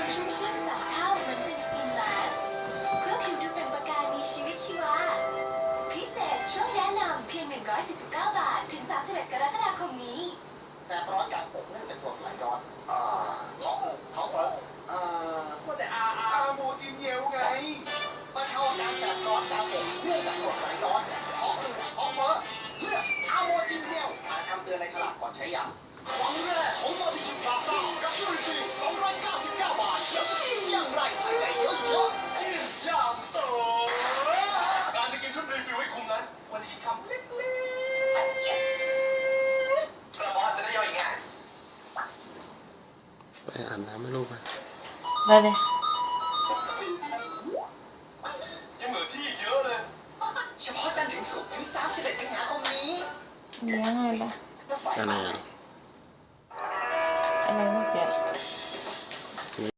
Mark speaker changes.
Speaker 1: ความชุ่มชื่น3เท่าเหมือนเป็นสกินแลสเพื่อผิวดูเปล่งประกายมีชีวิตชีวาพิเศษช่วงแนะนำเพียง149 บาทถึง31 กรกฎาคมนี้
Speaker 2: แสบร้อนจากอกเนื่องจากกรดไหลย้อนท้องร้อนว่าแต่อาโมจินเยวไงบรรเทาอาการแสบร้อนจากอกเนื่องจากกรดไหลย้อนท้องอืดท้องเฟ้อเลือกอาโมจินเยวอ่านคำเตือนในฉลากก่อนใช้ยาวันแรกของมาดิชิพลาซ่ากับจุลินทรีย์299 บาทแล้วจะกินอย่างไรภายในเยอะๆกินอย่างโตการจะกินชุดรีฟิลให้คุ้มนั้นควรจะกินคำเล็กๆกระเพาะจะได้ย่อยง่าย
Speaker 3: ไปอาบน้ำให้ลูกไป
Speaker 4: ได้เลย
Speaker 2: ยังเหลือที่เยอะเลยเฉพาะจันทร์ถึงศุกร์ถึง31 สิงหาคมนี้
Speaker 4: เลี้ยงอะไรปะ
Speaker 3: อะไรอ่ะ
Speaker 4: อะไรเมื่อกี้